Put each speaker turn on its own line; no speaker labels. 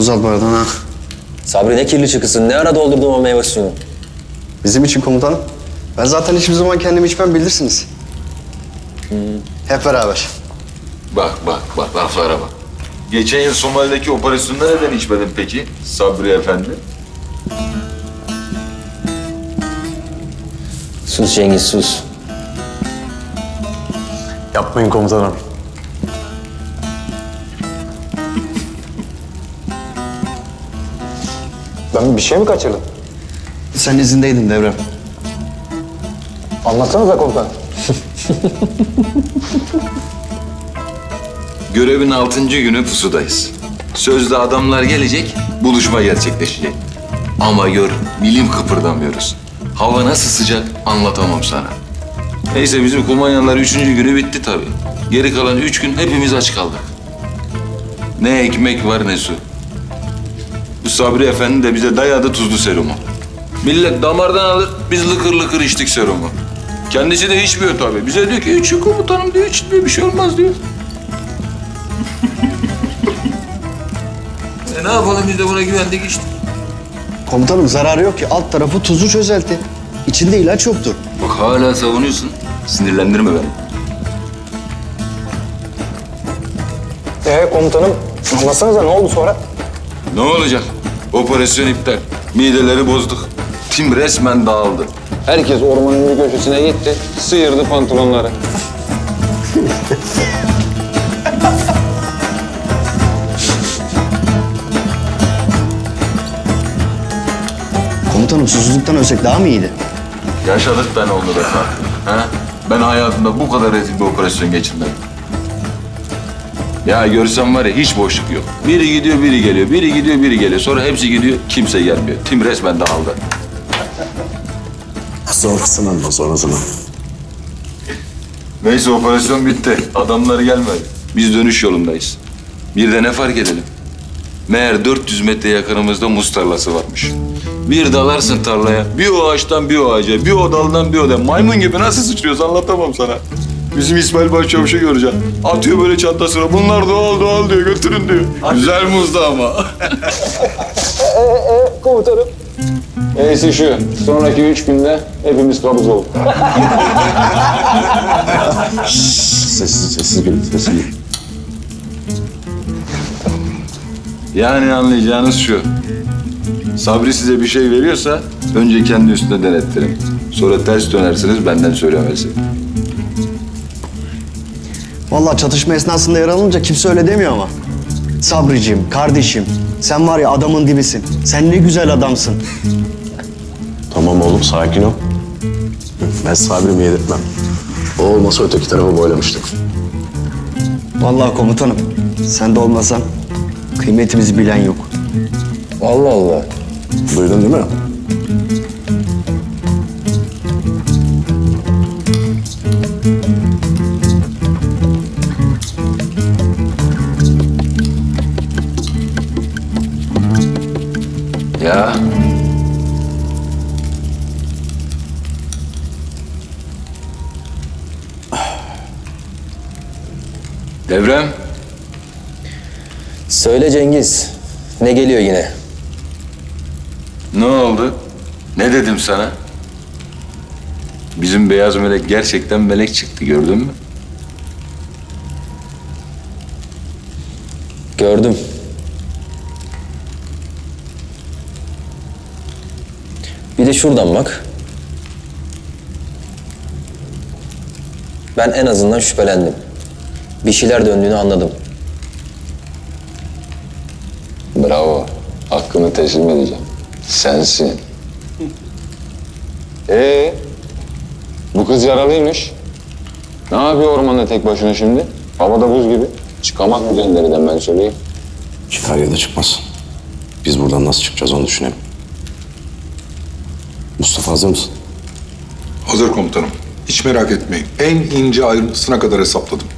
Uzat bardağını ha.
Sabri ne kirli çıkısın, ne ara doldurdun o meyve suyunu?
Bizim için komutanım. Ben zaten hiçbir zaman kendimi içmem bilirsiniz. Hep beraber.
Bak laflara bak. Geçen yıl Somali'deki operasyonda neden içmedin peki Sabri Efendi?
Sus Cengiz, sus.
Yapmayın komutanım. Ben bir şey mi kaçırdım?
Sen izindeydin Devrem.
Anlatsanıza komutanım.
Görevin 6. günü pusudayız. Sözde adamlar gelecek, buluşma gerçekleşecek. Ama gör, milim kıpırdamıyoruz. Hava nasıl sıcak anlatamam sana. Neyse bizim kumanyanlar 3. günü bitti tabii. Geri kalan 3 gün hepimiz aç kaldık. Ne ekmek var ne su. Bu Sabri Efendi de bize dayadı tuzlu serumu. Millet damardan alır, biz lıkır lıkır içtik serumu. Kendisi de içmiyor tabii. Bize diyor ki için komutanım diyor, içmiyor bir şey olmaz diyor. Ne yapalım biz de buna güvendik işte.
Komutanım zararı yok ki. Alt tarafı tuzlu çözelti. İçinde ilaç yoktur.
Bak hala savunuyorsun. Sinirlendirme beni.
Komutanım anlatsanıza ne oldu sonra?
Ne olacak? Operasyon iptal. Mideleri bozduk. Tim resmen dağıldı.
Herkes ormanın bir köşesine gitti, sıyırdı pantolonları.
Komutanım susuzluktan ölsek daha mı iyiydi?
Yaşadık ben onu be Fatih. Ha? Ben hayatımda bu kadar rezil bir operasyon geçirmedim. Ya görsem var ya hiç boşluk yok. Biri gidiyor, biri geliyor. Biri gidiyor, biri geliyor. Sonra hepsi gidiyor, kimse gelmiyor. Tim resmen dağıldı.
Sonrasını anla, sonrasını.
Neyse operasyon bitti. Adamlar gelmedi. Biz dönüş yolundayız. Bir de ne fark edelim? Meğer 400 metre yakınımızda muz tarlası varmış. Bir dalarsın tarlaya. Bir o ağaçtan bir o ağaca, bir o daldan bir o daldan. Maymun gibi nasıl sıçrıyoruz anlatamam sana. Bizim İsmail Başçavuş'u göreceğim. Atıyor böyle çantasına. Bunlar doğal doğal diyor. Götürün diyor. Güzel muzdu ama.
Komutanım. Neyse şu, sonraki 3 günde hepimiz kabız olduk.
Sessiz gülün, sessiz gülün.
Yani anlayacağınız şu. Sabri size bir şey veriyorsa önce kendi üstüne denettirin. Sonra ters dönersiniz benden söylemesi.
Vallahi çatışma esnasında yaralanınca kimse öyle demiyor ama. Sabriciğim, kardeşim, sen var ya adamın dibisin. Sen ne güzel adamsın.
Tamam oğlum, sakin ol. Ben Sabri'mi yedirtmem. O olmasa öteki tarafa boylamıştık.
Vallahi komutanım, sen de olmasan kıymetimizi bilen yok.
Allah Allah.
Duydun değil mi?
Ya. Devrem.
Söyle Cengiz, ne geliyor yine?
Ne oldu? Ne dedim sana? Bizim beyaz melek gerçekten melek çıktı gördün mü?
Gördüm. Bir de şuradan bak. Ben en azından şüphelendim. Bir şeyler döndüğünü anladım.
Bravo. Hakkını teslim edeceğim. Sensin. Bu kız yaralıymış. Ne yapıyor ormanda tek başına şimdi? Havada buz gibi. Çıkamaz mı cenderiden ben söyleyeyim.
Çıkar ya da çıkmaz. Biz buradan nasıl çıkacağız onu düşünelim. Mustafa hazır mısın?
Hazır komutanım. Hiç merak etmeyin. En ince ayrıntısına kadar hesapladım.